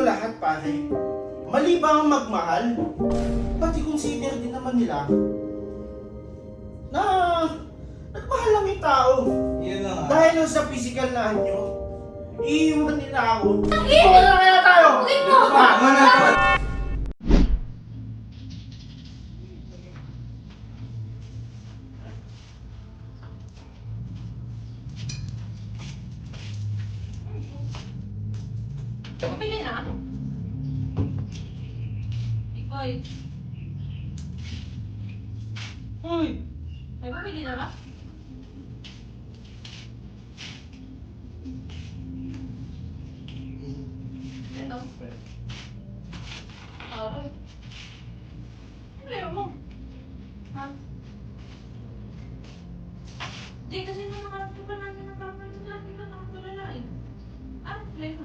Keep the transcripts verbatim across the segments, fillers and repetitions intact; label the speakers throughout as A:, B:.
A: lahat, pare. Mali ba ang magmahal? Pati consider din naman nila na nagmahal lang yung tao.
B: Yun na nga.
A: Dahil lang sa physical na anyo, iiwan nila ako. Iiwan na kaya tayo!
B: Tama na to.
C: Pumili na. Ikoy.
B: Uy!
C: Ay, pumili na ba? Ito. Aray. Ano mo? Ha? Di kasi nung nakarap pa namin ng kapal ng lahat na nakatulala eh. Ah, problema.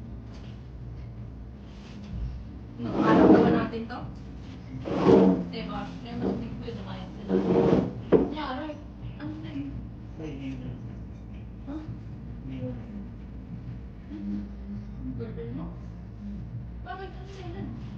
C: Nakakarap ba natin to? Diba? Kaya mas big ko yun kaya sila. Yari. Ano na yun? Ha? Girlfriend mo? Bakit? Ano sila?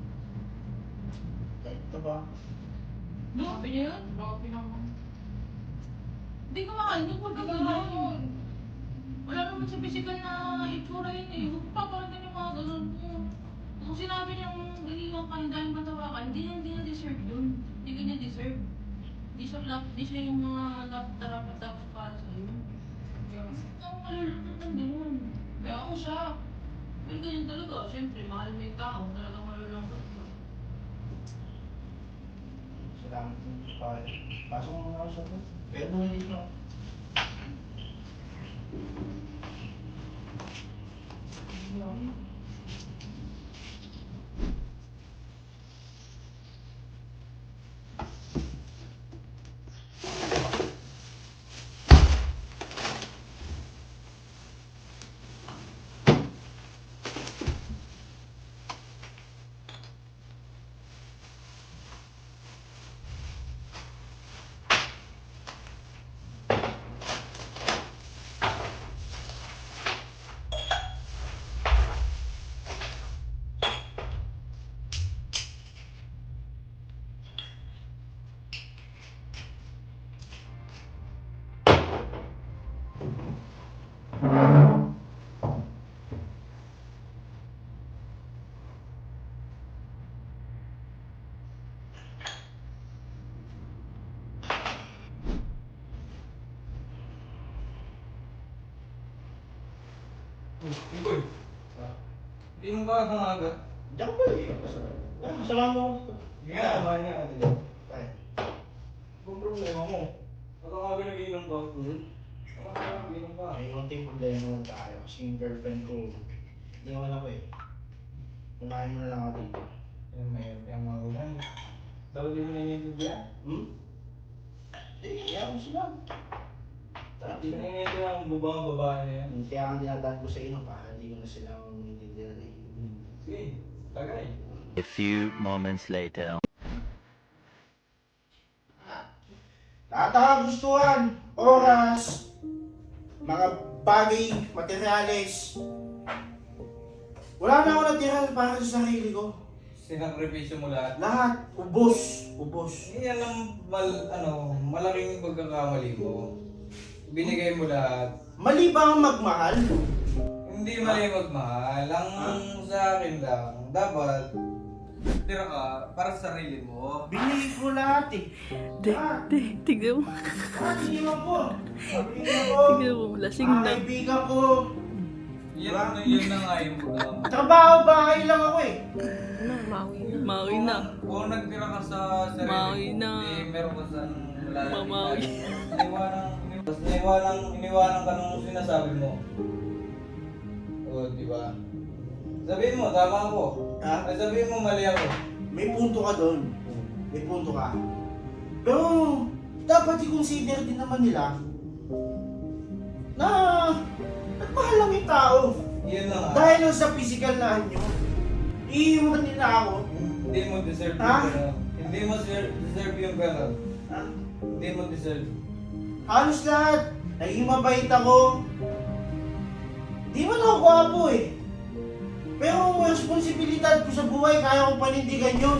A: Ito ba?
C: Sabi niya yun? Grabe naman. Hindi ko makainit. Huwag kang gano'n. Wala naman sa physical na itsura yun eh. Huwag pa pa rin yung mga gano'n mo. Kung sinabi niyang iiwan ka ng dahil matawa ka, hindi niya, hindi niya deserve yun. Hindi ka niya deserve. Di siya, lap- di siya yung mga dapat-dapat para sa'yo. Kaya, ang malulunod ng gano'n. Kaya ako siya. Pero ganyan talaga. Siyempre, mahal mo yung tao. Talagang malulungkot ka.
A: Salamat po, pare. Pasok mo nga ako sa to. Pero hindi na.
B: Uy! Hindi mo ba hangaga?
A: Diyan ba eh? Kasama mo ako.
B: Nga, kumain nga ka dito.
A: Pare.
B: Kung problema mo, ba't ang aga nag-iinom ka?
A: Hmm?
B: Ang aga nag-iinom ka?
A: May konting problema lang tayo kasi yung girlfriend ko, hindi naman ako eh. Kumain mo na lang ako dito.
B: Yan, may yung mga ulan. Daw di mo naiintindihan?
A: Hmm? Hindi, kaya ko sila. Tara,
B: Hindi mo naiintindihan ang bubang babae na yan.
A: kaya ang dinadaan ko sa inyo para hindi ko na sila maintindihan eh.
B: Sige, tagay.
D: A few moments later.
A: Lahat ng kagustuhan, oras, mga bagay, materyales. Wala na ako natira para sa sarili ko.
B: Sinakripisyo mo lahat.
A: Lahat, ubos, ubos.
B: Yan ang mal, ano, malaking pagkakamali mo. Binigay mo lahat.
A: Mali ba ang magmahal?
B: Hindi mali magmahal. Ang sa akin lang, dapat tira ka para sa sarili mo.
A: Binigay ko lahat eh.
E: Di,
A: Ah,
E: di, tignan mo.
A: ah, iniwan ko. Iniwan ko.
E: Tignan mo, lasing
A: Mga
E: na.
A: kaibigan ko.
B: Yan na, yun na nga yung problema.
A: Trabaho, bahay lang ako eh.
E: Maui na. Maui na.
B: Kung nagtira ka sa sarili
E: Maui
B: mo,
E: na.
B: eh, meron ka sa lalaki.
E: Mamawi.
B: Iniwanan, tapos iniwanan, iniwanan ka nung sinasabi mo. O, di ba? Sabihin mo, tama ako.
A: Ha?
B: Ay, sabihin mo, mali ako.
A: May punto ka doon. May punto ka. Pero, dapat i-consider din naman nila na nagmahal lang yung tao.
B: Yun na nga.
A: Dahil lang sa physical na anyo, iiwan nila ako.
B: Hindi mo deserve
A: Ha?
B: yung gano'n. Hindi mo deserve, deserve yung gano'n.
A: Ha?
B: Hindi mo deserve.
A: Halos lahat. Naging mabait ako. Di man ako gwapo eh. Pero responsibilidad ko sa buhay, kaya kong panindigan yun.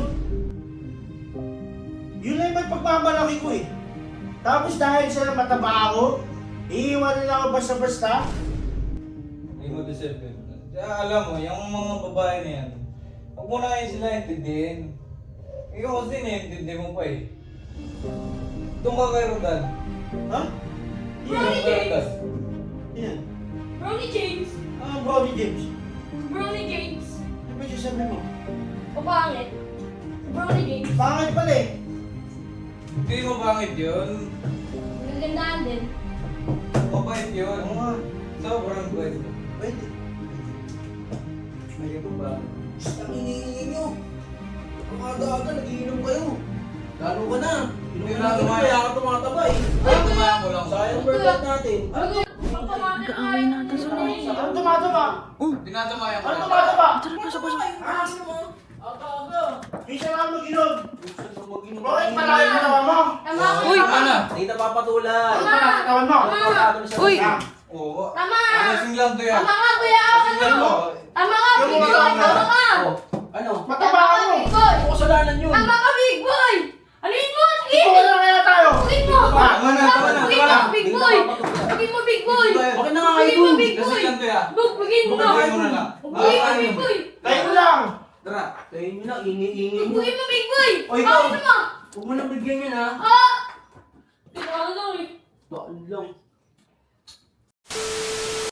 A: Yun lang yung pagmamalaki ko eh. Tapos dahil sa mataba ako, iiwan nila ako basta-basta.
B: Hindi mo deserve yun. Kaya alam mo, yung mga babae na yan, huwag mo na yun sila intindihin. Ikaw kasi naiintindi mo pa eh. Doon ka kay Rodan.
A: Ha?
B: Doon ka kay Rodan.
A: Yan.
C: Brownie James!
A: Ah, Brownie James.
C: Brownie James!
A: Ano ba yung sabi mo?
C: Papangit. Brownie James.
A: Pangit pala eh.
B: Hindi mo bangit yun.
C: Nagandaan din.
B: Mabait yun.
A: Oo nga.
B: Sobrang bait.
A: Pwede.
B: Hindi mo ba?
A: Ang iniingi nyo. Ang aga-aga, nagiinom kayo. Lalo ka na. Inom ka na
B: Lalo
A: inom,
B: ka.
A: kaya ka tumataba eh.
B: Ay, kumain mo lang.
A: Sayang workout natin.
E: Nag-aaway na ata sila.
A: Ano tumataba?
B: Tinatamayan ko
A: Ano
B: lang.
A: tumataba?
E: Tara, pasok, pasok.
A: Aga-aga. Minsan lang mag-inom. Bakit malayo na naman mo?
C: Tama ka!
E: Uy!
B: Tama na.
F: Hindi na papatulan.
A: Ano pa nakatawan mo?
E: Uy!
B: Oo.
C: Tama!
B: Lasing lang to yan.
C: Tama ka, kuya!
B: Lasing lang to.
C: Tama ka,
A: Yung
C: big
A: mga
C: boy!
A: tama.
C: Tama ka!
F: Oh, ano?
A: Mataba ka mo.
C: Big boy!
F: Ano kasalanan yun?
C: Tama ka, big boy! Alin mo? Sige!
A: Ikaw na kaya tayo.
C: Alin mo?
B: Tama na, tama na,
C: Bugin
B: tama na.
C: mo, big boy! Bugin mo, big boy!
F: Bakit na nga
C: Bugin mo,
F: idol?
C: big boy!
B: Lasing lang to yan.
C: Bug, bugin mo!
B: Bugin mo na lang.
C: Bugin mo, big boy!
A: Tayo mo lang.
F: Tara, tayo nyo na, ingi-ingi nyo.
C: Bugin mo, big boy!
F: O, ikaw.
C: Bakit mo?
F: Huwag mo nang bigyan yan ha.
C: Ah! Tingnan lang eh.
F: Bakit lang.